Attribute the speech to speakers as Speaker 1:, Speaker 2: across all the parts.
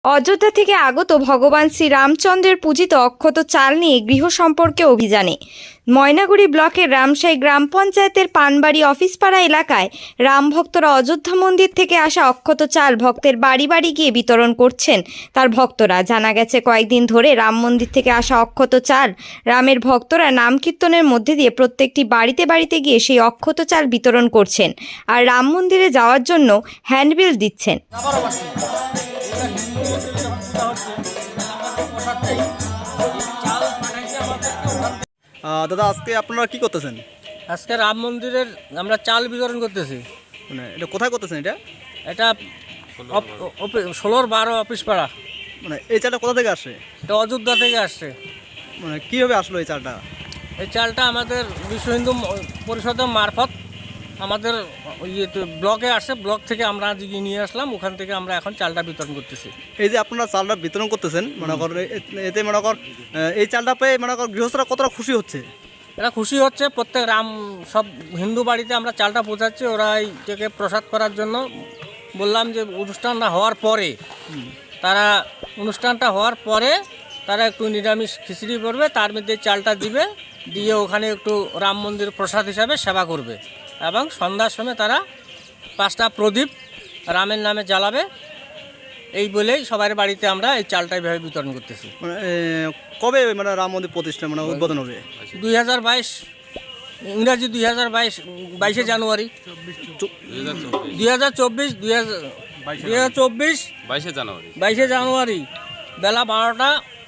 Speaker 1: অযোধ্যা থেকে আগত ভগবান শ্রী রামচন্দ্রের পূজিত অক্ষত চাল নিয়ে গৃহ সম্পর্কে অভিযানে ময়নাগুড়ি ব্লকের রামশাই গ্রাম পঞ্চায়েতের পানবাড়ি অফিসপাড়া এলাকায় রাম ভক্তরা অযোধ্যা মন্দির থেকে আসা অক্ষত চাল ভক্তের বাড়ি বাড়ি গিয়ে বিতরণ করছেন তার ভক্তরা। জানা গেছে কয়েকদিন ধরে রাম মন্দির থেকে আসা অক্ষত চাল রামের ভক্তরা নাম কীর্তনের মধ্যে দিয়ে প্রত্যেকটি বাড়িতে বাড়িতে গিয়ে সেই অক্ষত চাল বিতরণ করছেন আর রাম মন্দিরে যাওয়ার জন্য হ্যান্ডবিল দিচ্ছেন।
Speaker 2: দাদা, আজকে আপনারা কি করতেছেন?
Speaker 3: আজকে রাম মন্দিরের আমরা চাল বিতরণ করতেছি।
Speaker 2: মানে এটা কোথায় করতেছেন?
Speaker 3: এটা 16-12 অফিস পাড়া।
Speaker 2: মানে এই চালটা কোথা থেকে আসে?
Speaker 3: এটা অযোধ্যা থেকে আসছে।
Speaker 2: মানে কীভাবে আসলো এই চালটা?
Speaker 3: এই চালটা আমাদের বিশ্ব হিন্দু পরিষদের মারফত আমাদের ব্লকে আসে, ব্লক থেকে আমরা আজকে নিয়ে আসলাম, ওখান থেকে আমরা এখন চালটা বিতরণ করতেছি।
Speaker 2: এই যে আপনারা চালটা বিতরণ করতেছেন, মনে কর এতে মনে কর এই চালটা পেয়ে মনে কর গৃহস্থরা কতটা খুশি হচ্ছে?
Speaker 3: এরা খুশি হচ্ছে। প্রত্যেক সব হিন্দু বাড়িতে আমরা চালটা পৌঁছাচ্ছি। ওরা এইটাকে প্রসাদ করার জন্য বললাম যে অনুষ্ঠানটা হওয়ার পরে তারা একটু নিরামিষ খিচুড়ি করবে, তার মধ্যে চালটা দিবে, দিয়ে ওখানে একটু রাম মন্দির প্রসাদ হিসাবে সেবা করবে এবং সন্ধ্যার সময় তারা 5টা প্রদীপ রামের নামে জ্বালাবে। এই বলেই সবার বাড়িতে আমরা এই চালটা এইভাবে বিতরণ করতেছি।
Speaker 2: কবে মানে রাম মন্দির প্রতিষ্ঠা মানে উদ্বোধন হবে?
Speaker 3: 2022 ইংরাজি 22 জানুয়ারি 2024 22 জানুয়ারি বেলা 12টা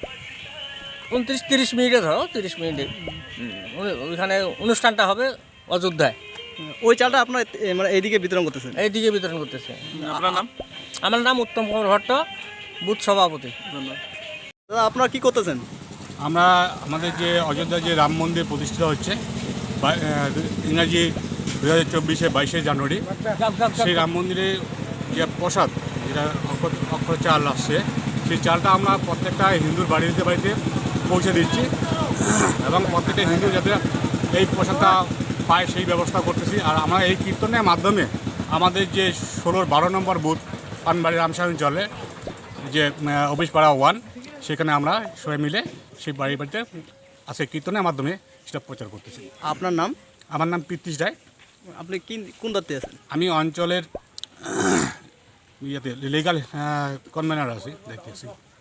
Speaker 3: 29-30 মিনিটে, ধরো 30 মিনিটে ওইখানে অনুষ্ঠানটা হবে অযোধ্যায়।
Speaker 2: ওই চালটা আপনার মানে এইদিকে বিতরণ করতেছেন?
Speaker 3: এইদিকে বিতরণ করতেছে।
Speaker 2: আপনার নাম?
Speaker 3: আমার নাম উত্তম কুমার ভট্ট, বুথ সভাপতি।
Speaker 2: দাদা, আপনারা কি করতেছেন?
Speaker 4: আমরা আমাদের যে অযোধ্যা যে রাম মন্দির প্রতিষ্ঠিত হচ্ছে ইংরাজি 2024 22 জানুয়ারি, সেই রাম মন্দিরে যে প্রসাদ যেটা অক্ষর চাল আসছে, সেই চালটা আমরা প্রত্যেকটা হিন্দুর বাড়িতে বাড়িতে পৌঁছে দিচ্ছি এবং প্রত্যেকটা হিন্দু যাতে এই প্রসাদটা পায় সেই ব্যবস্থা করতেছি। আর আমরা এই কীর্তনের মাধ্যমে আমাদের যে 16-12 নম্বর বুথ পানবাড়ি রামশাই অঞ্চলে যে অফিস পাড়া 1, সেখানে আমরা সবাই মিলে সেই বাড়ি বাড়িতে আজকে কীর্তনের মাধ্যমে সেটা প্রচার করতেছি।
Speaker 2: আপনার নাম?
Speaker 4: আমার নাম পৃথ্বীশ রায়।
Speaker 2: আপনি কোন দায়িত্বে আছেন?
Speaker 4: আমি অঞ্চলের লিগাল কনভেনার আছি, দেখতেছি।